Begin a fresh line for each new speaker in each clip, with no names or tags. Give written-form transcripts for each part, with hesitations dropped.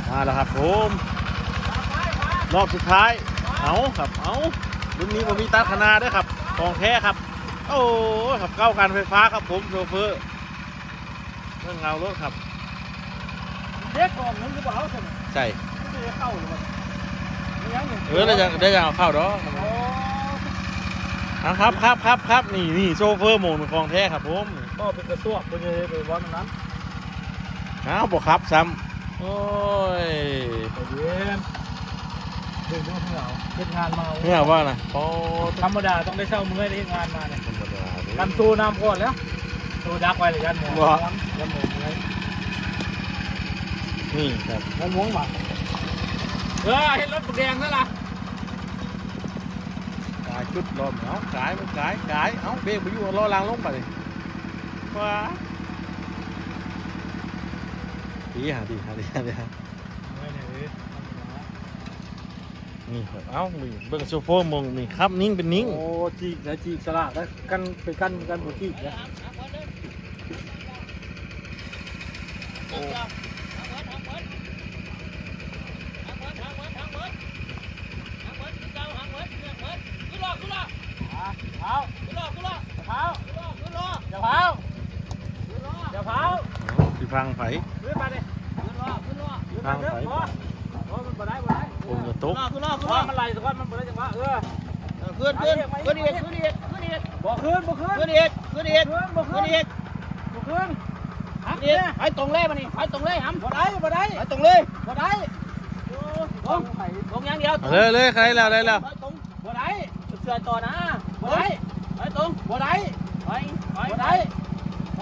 มาแล้วครับผมรอบสุดท้ายเอาครับเอารุ่นนี้ผมมีตัดขนาดด้วยครับของแท้ครับโอ้ครับเก้าการไฟฟ้าครับผมโชเฟอร์เรื่องเงารถครับ
เด็กกองนึงหรือเปล่า
ใช่
ไม่ได้เข้าเลย
ได้ยังเอาเข้าดอกครับนี่โชเฟอร์โหมดของแท้ครับผม
ก็เป็นกระซวกเป็นยังไงไปวันนั้น
บอกครับซ้ำโอ้ย
เย็นเดินด้วยเหงาเป็นงานมา
เหงาว่านะโอ้
ธรรมดาต้องได้เช่ามือได้งานมาเนี่ยกันตูน้ำก่อนแล้วตูดักไว้เลยกันหมดกันหมดเลย
นี่ครับ
มันม้วนหมักเห็นรถแดงนั่นล่ะ
กายชุดลมเอากายมันกายเอาเบรกไปอยู่รอรางลงไปเลยว้าดีฮะนี่ครับเอ้ามีเบิ้งโซโฟมงมีครับนิ่งเป็นนิ่ง
โอ้จีกนะจีกสลากแล้วกันไปกันบุจีกนะโอ้อย่าเผา
ที่ฟังไผ่
ขึ้นมาดิ
ฟังไผ่
มันบ่ได้
ผมจะตุ๊ก
มันไหลสักวันมันบ่ได้จังหวะ
ขึ้นอีก
บ่ขึ้น
ไปตรงเลยมานี่ไปตรงเลยหำ
บ่ได้
ไปตรงเลยตรงอย่างเดียว
เลยใครแล้วได้แล้ว
ตรงบ่ได้เสือต่อนะบ่ได้ไปตรงบ่ได้ไปบ่ได้พ่อ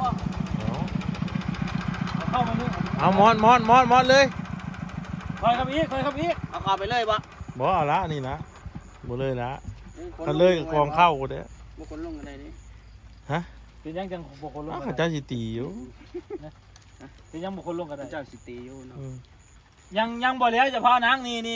เข้ามานี่
เอามอนเลย
คอยครับอีก
เอาเข้าไปเลยบ่
เอาละนี่นะบ่เลยละถ้าเลยกองเข้ากูเด้
บ่คนลงกันได้ดิ
ฮะ
เป็นยังจังบ่คนลง
กันเจ้าสิตีอยู่
เป็นยังบ่คนลงกันได้
เจ้าสิตีอยู่เนาะ
ยังบ่แล้วจะพานางนี่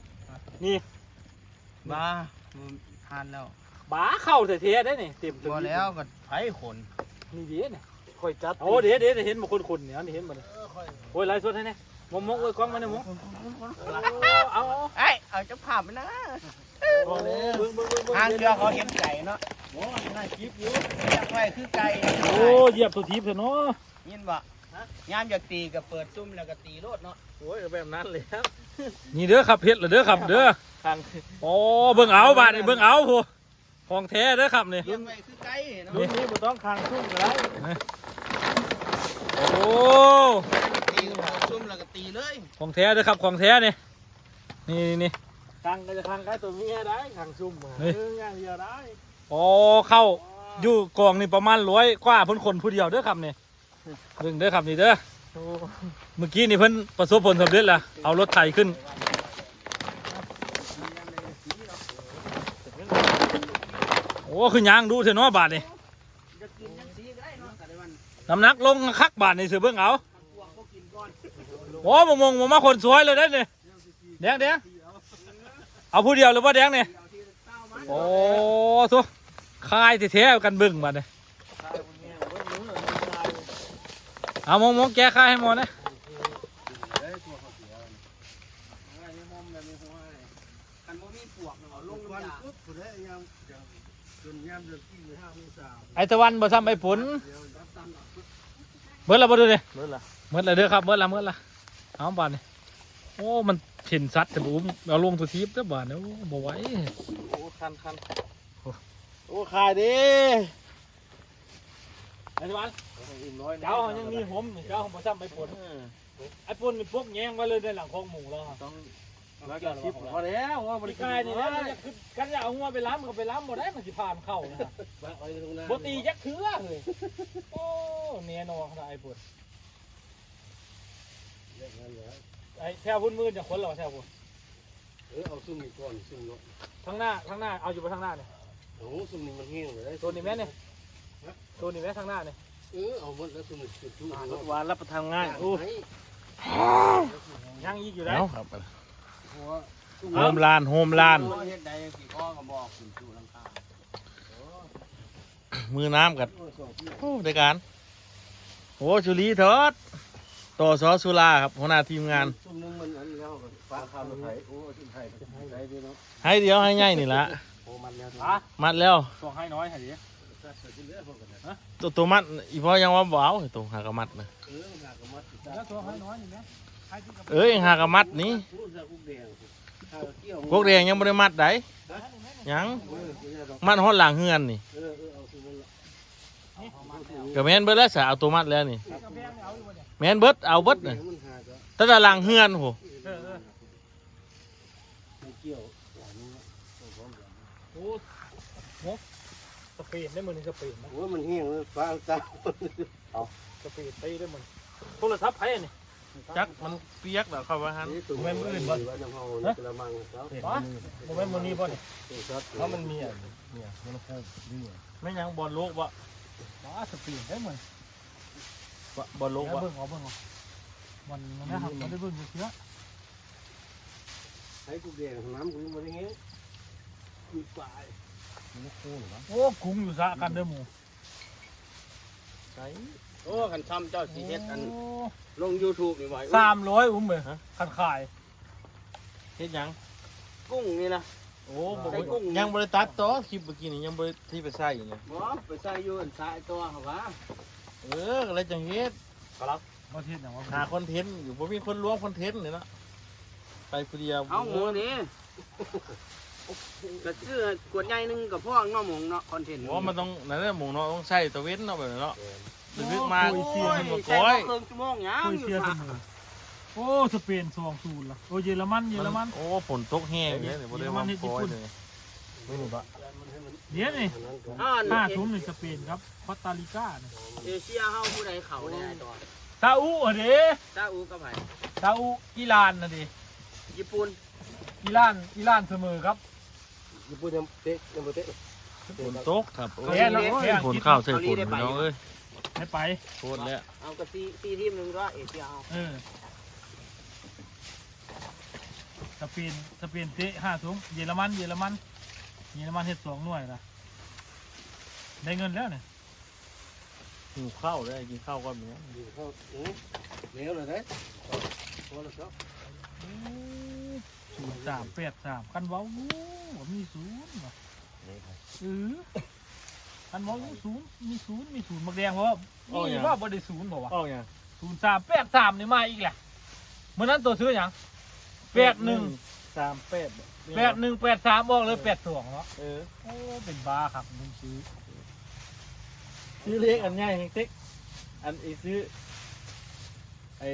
บ้าทานแล้ว
บ้าเข้าเท่ๆได้นี่เต็ม
บ่แล้วก็ไผขน
นี่ดิเนี่ยค่อยจัดโอ้เดี๋ยวเห็นบ่คนเนี่ยนี่เห็นบ่เนี่ยโอ้ยไล่สดให้แน่มงเอ้ยกล้องมาเนี่ยมง
เอาจะภาพไปนะทางเรือเขาเห็นไก่เนาะ
โอ้น่าคิดอยู่
อยากไว้คือไก่
โอ้เหยียบตัวทีบเถอะเนาะ
ยินบ่ยามอยากตีก็เปิดซุ่มแล้วก็ตีโลดเนาะ
โอ้ยแบบนั้นเลยครับ
นี่เด้อครับเฮ็ดเด้อครับเด้อโอ้เบิ่งเอาบาดนี่เบิ่งเอาผู้ของแท้เด้อครับนี่
เลี้ยงไว้คือไก่เนาะ
นี่บ่ต้องคางซุ่มก็ได้โอ้
ตีซุ่มแล้วก็ตีเลย
ของแท้เด้อครับของแท้นี่คางก็จะคางไก่ตัวเมียได้คางซุ่มอย่างเดียวได้โอ้เข้าอยู่กองนี่ประมาณ100กว่าพ้นคนผู้เดียวเด้อครับนี่เบิ่งเด้อครับนี่เด้อเมื่อกี้นี่เพิ่นประสบผลสำเร็จแล้วเอารถไถขึ้นโอ้คือยางดูเถอะเนาะบาทนี่น้ำหนักลงคักบาทนี่เสือเบิ่งเอาโอ้มงมาคนสวยเลยได้เนี่ยแดงเอาผู้เดียวหรือว่าแดงเนี่ยโอ้ทุกคายเท่ๆกันเบิ่งบาทนี่เอามงแก้คายให้หมดนะไอตะวันบ่ซ้ำไอผลเมื่อไรบ่ดูดิเมื่อไรเด้อครับเมื่อไรเอาบานนี่โอ้มันเห็นซัดแต่บุ้มเอาลงตัวทีบแล้วบานนี่โอ้บ่ไหว
โอ้คันโอ้ขายดิ
ไอตะวันเจ้ายังมีหอมเจ้าบ่ซ้ำไอผลไอผลนี่พวกแยงไว้เลยในหลังคลองหมูเราต้อง
แล้วก็ชิปพอแล้วว่าบริการ
นี่นะกันจะเอาหัวไปล้ำก็ไปล้ำหมดได้มันสิผ่านเข้านะบตียักเถื่อเลยโอ้เนียนอขนาดไอ้ปุ่นไอ้แถวพุ่นมืดอย่างคนหรอแถวพุ่น
เอาซุ่มอีกก่อนซุ่มเนาะ
ทางหน้าเอาอยู่ไปทางหน้าเนี่ย
โอ้ซุ่มนี่มันแห้งเลย
ตัวนี้แม่เนี่ยตัวนี้แม่ทางหน้าเนี่ย
เอาหมดแล้วซุ่มจุ๊
รถหวานรับประทานง่ายโอ้ยังอีกอยู่ได้
โฮมลานมือน้ำกันโอ้ได้การโอ้ชุลีทอดโตต่อซอสุราครับหัวหน้าทีมงาน
ซุ่มนึงมันอันแล้วฟ้าข้าวรถไถโอ้ชุดไทยไทยดีเนาะ
ให้เดียวให้ง่ายนี่ละ
โอ้มันแล้ว
อ่ะ
มัดแล้ว
ส่งให้น้อยให้ดิ
ตัวมัดอีพ่อยังว่าบ่เอาตัวหากระมัดนะ
หากมัด
แล้วส่งให้น้อยนี่ไหมให้ที่กับ
เอ้ยหากระมัดนี่
รู้จักกุ๊กแดงข้าวเกี่ยว
พวกแดงยังบ่ได้มัดได้ยังมัดฮอดหลังเฮือนนี่
เอาคือมัน
ก็แม่นเบิดแล้วสะเอาตัวมัดแล้วนี่
กำแพงเนี่ยเอาอยู่บ่เนี่ย
แม่นเบิดเอาเบิดน่ะ
มันหาก็
แต่ละหลังเฮือนโห
เกี่ยว
โอ้โหสเปนได้มือนี่สเปนนะ
โอ้มันเหี้ยงเลยฟ้าตา
สเปนตีได้มือโทรศัพท์ไผอันนี้
จักมันเปียกแล้วเข้าว่าหั่น
แม่มืออื่นบ่น้ำเฮากระมังครับ
อ๋อบ่แม่นมื้อนี้บ่นี่
เพราะมันมีอ่ะเนี่ยมันโค้งนี่
แม่นยังบอลโลกบ่
อ๋อสเปนได้มือบ
อลโลก
เบิ่
บ่
งเอาเบิ่งเอามันนะครับมันได้เบิ่งเชื้อ
ให้กุ๊กแดงน้ำกูมันอย่างเงี้ยมีปลายมันโค้งเหรอ
โอ้คุ้งอยู่ซะกันเด้อหมู่
ใช่
โอ้ขันซ้ำเจ้าสีเฮ็ดอันลง YouTube นี่ไว้
300อุ้มเว้ยคันขาย
เฮ็ดหยัง
กุ้งนี่นะ
โอ้บ่ยังบ่ได้ตัดต่อคลิปเมื่อกี้นี่ยังบ่ได้ที่ไปใส่อยู่เนี่ย
บ่ไปใส่อยู่อันสายตัวเหรอวะ
ก็เลยจังเฮ็ด
บ่เฮ็ดหยังว่า
หาคอนเทนต์อยู่บ่มีคนล้วงคอนเทนต์นี่เนาะไปผู้เดียว
เอาหมูนี่กระซื้อกวดใหญ่นึงกับพ่อน้องหมงเนาะคอนเทนต์
ว่ามันต้องนั่นแหละหมูเนาะต้องใส่ตะเว้นเนาะแบบนั้นเนาะลึกมา
โอ้
มันบ่
ย
ก้
ใส่
อย
เครื่องชั่วโมงยัง
คุย
อยู่
เชียร์เส
ซะ
มอโอ้สเปน2-0ล่ะโอ้เยอรมัน
โอ้ฝนตกแห้งเนี่ยบ่ได้ว่าก้อยเลยไม่รู้ปะ
เดี๋ยวนี่
อ่า
5-0นี่สเปนครับคอสตาริกานี่
เอเชียเฮาผู้ใดเขาได้ตัว
ซาอุอ่ะเด้
ซาอุกับไผ
ซาอุอิหร่านน่ะดิ
ญี่ปุ่น
อิหร่านเสมอครับ
ญี่ปุ่นยังเตะยังบ่เตะ
ฝนตกครับโอ้
แพ้
ย
แล้วแพ้
ฝนเข้าใส่ฝนพี่น้องเอ้ย
ไม่ไป
โคตรแล้ว
เอากระซีทีมนึงก็เอเชียเฮา
สเปนเตะ5-0เยอรมันเฮ็ด2หน่วยล่ะได้เงินแล้วเนี่ย
หิวข้าวเลยกินข้าวก่อนเนี่ย
อยู่เขาเหลวเลยเด้พอแล้วครับ
0-3-8-3กันเว้ามี0ว่ะกันเว้ามี0บักแดงเพราะว่ามีว่าบ่ได้0บ่วะ
อ้าวยัง
0-3-8-3นี่มาอีกแหละมื้อนั้นตัวซื้อหยัง
38
8183บอกเลย82เนาะ
เออ
โอ้เป็นบ้าครับมึงซื้อ
ซื้อเล็กอันง่ายเต็กอันอีซื้อไอ้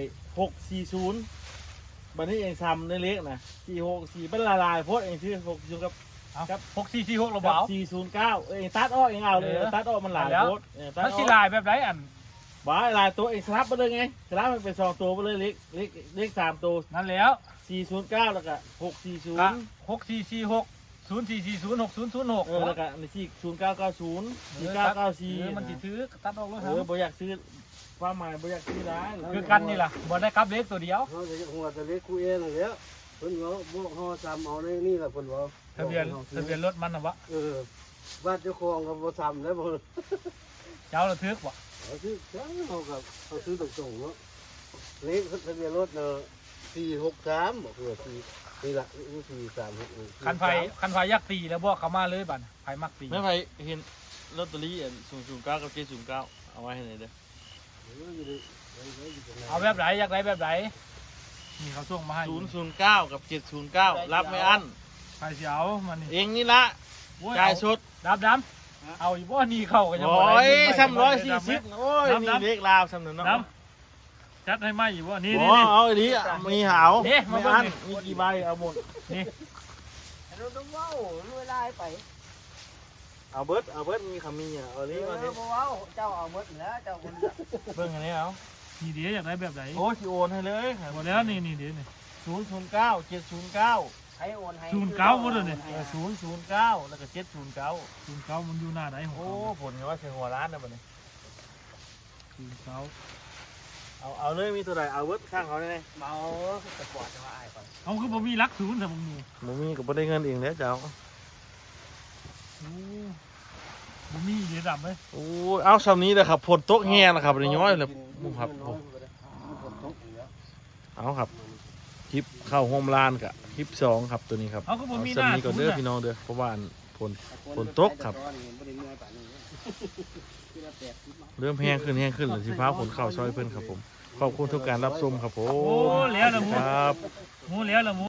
640บัดนี้เองทำในเล็กนะ464เป็นละลายโพดเองซื้อ6กับ
ครับ6446เราบ่เอา
409เองตัดออกเองเอาเลยตัดออกมันหลายโพดตัด
มัน
อ
สิ
อก
ลายแบบไรอัน
บ้าหลายตัวเองสลับไปเลยไงสลับมันเป็น2ตัวไปเลยเล็ก3ตัว
นั่นแล้ว
409แล้วก็
ก็
640
6446 04406006
แล้วก็ในที่0990 4994
มันสิถือตัดออกแล้วค
บ่
รับ
อยากซื้อความหมายบ่อยากซื้อร้าย
คือกันนี่ล่ะบ่ได้กลับเล็กตัวเดียว
เขาจะหัวตะเล็กกูเองนั่นแหละเพิ่นว่าพวกเฮาซ้ำเอาในนี่ล่ะเพิ่นว่า
ทะเบียนรถมันน่ะวะ
บ้านเจ้าของก็บ่ซ้ำแล้วบ่
เจ้าระทึกบ่
เอาซื้อจังเฮากับเอาซื้อตรงๆเนาะเลขทะเบียนรถเนาะ463บ่คือ4นี่ล่ะ436
คันไฟยักตีแล้วบ่เข้ามาเลยบัดไฟมักตี
ไม่ไปเห็นลอตเตอรี่009กับ709เอาไว้ให้หน่อยเด้อ
เอาแบบไหนอยากได้แบบไหนนี่เขาส่งมาให้
009กับ709รับไม่อั้น
ไฟสิเอามันนี่
เองนี่ละจ่ายสุด
ดำเอาอีบ่นี่เข้าก็ยังบ่
โอ้
ได้
ย340โอ้ยนี่เลขลาวสำนึกเนาะ
ดำจัดให้ไหมอีบ่นี่
โอ้
นี่
เอาอีนี้มีหาว
นี่มา
ไม่
เบิ่ง
อั้น
นี่
มีกี่ใบเอาหมด
นี่
เราต้องเว้ารวยลายไป
เอาเบิดมีคำมีอ่ะเอานี้มาดิ
บ่เว้าเจ้าเอาหมดแล้วเจ้าคน
เบิ่งอันนี้เอา
นี่เดี๋ยวอยากได้แบบไหน
โอ้สิโอนให้เลย
หมดแล้วนี่เดี๋ยวนี่
009 709
ให้โอนให้
09หมดเลยนี่
009แล้วก็709
09มันอยู่หน้าไหนของ
โอ้ผลว่าใช่หัวร้านนะบัดนี้
09
เอาเลยมีตัวใดเอาเบิดข้างเขาได้ไหม
เมาสปอร์ตจะมาอายก่อน
เอาคือบ่มีรักศูนย์แต่บ่มี
บ่มีก็บ่ได้เงินเองแล้วเจ้า
โอ้บ่มีเดี๋ยวดำเลย
โอ้เอาสำนี้นะครับผลตกแห้งนะครับเดี๋ยวย้อยเลยมุมครับผมเอาครับคลิปเข้าโฮมลานกับคลิป2ครับตัวนี้ครับ
เขาก็บ่มีห
สำ
น้า
นี้ก่อนเด้อ
ทุนน่ะ
พี่น้องเด้อเพราะว่าฝนตกครับ เริ่มแห้งขึ้นหรือสิฟ้าฝนเข้าซอยเพิ่นครับผมขอบคุณทุกการรับชมครับผม
โอ้แล้วละหมู
ครับ
หมูแล้วละหมู